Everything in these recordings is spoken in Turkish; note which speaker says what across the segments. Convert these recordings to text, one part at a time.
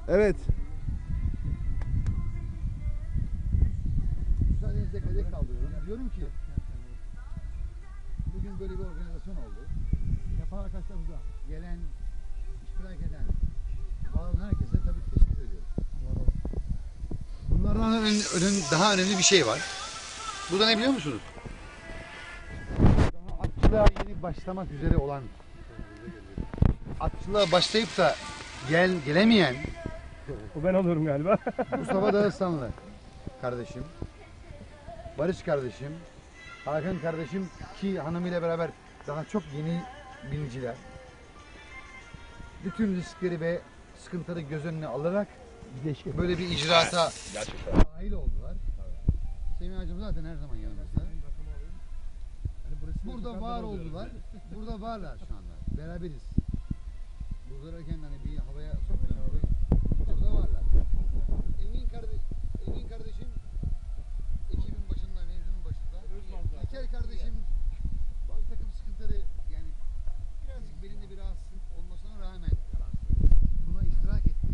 Speaker 1: Evet.
Speaker 2: Müsaadenizle kadeh kaldırıyorum. Diyorum ki bugün böyle bir organizasyon oldu. Yapan arkadaşlarımıza, gelen, iştirak eden, bağlanan herkese tabii ki teşekkür ediyorum. Bunlardan daha önemli bir şey var. Bu da ne biliyor musunuz? Daha atçılığa yeni başlamak üzere olan, atçılığa başlayıp da gelemeyen
Speaker 3: O ben olurum galiba.
Speaker 2: Mustafa Dağıstanlı kardeşim, Barış kardeşim, Hakan kardeşim ki hanımıyla beraber daha çok yeni biniciler. Bütün riskleri ve sıkıntıları göz önüne alarak böyle bir icraata dahil oldular. Semih Hacım zaten her zaman yanımızda. Burada var oldular. Burada varlar şu anda. Beraberiz. Burada hani bir havaya sokmuyorum. Burada varlar. Engin kardeşim ekibin başında, mevzunun başında. İlker kardeşim bazı takım sıkıntıları yani birazcık belinde bir rahatsızlık olmasına rağmen buna iştirak etti.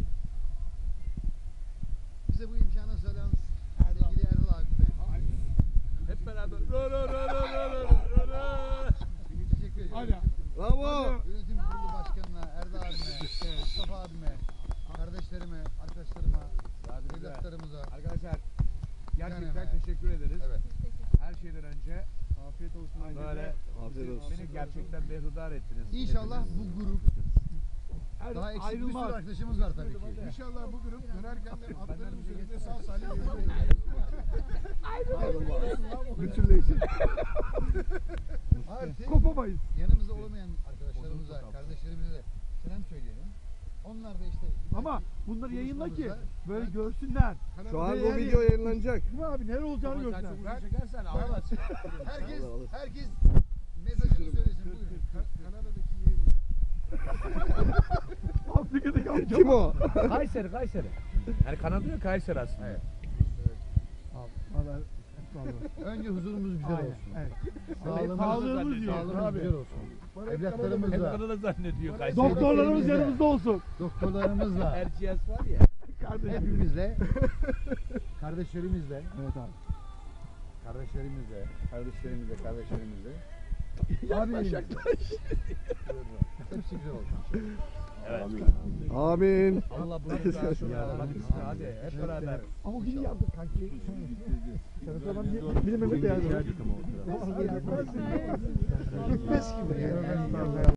Speaker 2: Bize bu imkanı sağlayan sevgili Erdal abime.
Speaker 3: Hep beraber.
Speaker 2: Teşekkür ediyorum.
Speaker 1: Bravo.
Speaker 2: Yönetim kurulu başkanına, Erdal abime, Mustafa abime, kardeşlerime, arkadaşlarıma, evlatlarımıza.
Speaker 3: Arkadaşlar gerçekten
Speaker 2: Yani,
Speaker 3: teşekkür ederiz.
Speaker 2: Evet.
Speaker 3: Her şeyden önce afiyet olsun. Böyle
Speaker 1: Afiyet olsun.
Speaker 3: beni gerçekten berhudar ettiniz.
Speaker 2: İnşallah bu grup daha eksik bir sürü
Speaker 3: ayrılmaz.
Speaker 2: arkadaşımız var tabii ki.
Speaker 4: İnşallah bu grup dönerken de atların üzerinde sağ salim
Speaker 1: Bütünleşin.
Speaker 2: Artık
Speaker 3: Kopamayız.
Speaker 2: yanımızda olamayan arkadaşlarımıza, kardeşlerimize de selam söyleyelim. Onlar da işte
Speaker 3: Ama bunları yayınla ki
Speaker 2: buluşmamızda-
Speaker 3: böyle görsünler.
Speaker 1: Şu an bu video yayınlanacak.
Speaker 3: Değil mi abi? Neler olacağını
Speaker 4: Ama sen
Speaker 3: görsünler.
Speaker 4: çok uzun çekersen ağlamazsın.
Speaker 2: herkes mesajını söylesin. Buyurun.
Speaker 4: Kanada'daki yeğenim.
Speaker 3: Afrika'daki amca.
Speaker 1: Kim o?
Speaker 5: Kayseri. Yani Kanada yok, Kayseri aslında.
Speaker 2: Evet.
Speaker 3: Vallahi
Speaker 2: Önce huzurumuz güzel
Speaker 3: Aynen,
Speaker 2: olsun.
Speaker 3: evet.
Speaker 2: Sağlığımız,
Speaker 3: Sağlığımız diyor.
Speaker 2: sağlığımız
Speaker 3: Abi.
Speaker 2: güzel olsun.
Speaker 5: Hep
Speaker 2: Evlatlarımızla,
Speaker 5: Kanada zannediyor Kayseri.
Speaker 3: Doktorlarımız
Speaker 2: Sevdiklerimizle,
Speaker 3: yanımızda olsun.
Speaker 2: doktorlarımızla,
Speaker 5: Erciyes var ya.
Speaker 3: Kardeşim.
Speaker 2: hepimizle, kardeşlerimizle,
Speaker 3: Evet abi.
Speaker 2: kardeşlerimizle. Abilerimizle. Hepsi güzel olsun.
Speaker 1: Amin.
Speaker 5: Allah bunu da şunu hadi hep beraber.
Speaker 3: Ama o günü yaptık kanki. Bir de Mehmet de yazdı.
Speaker 2: Gitmez gibi yani.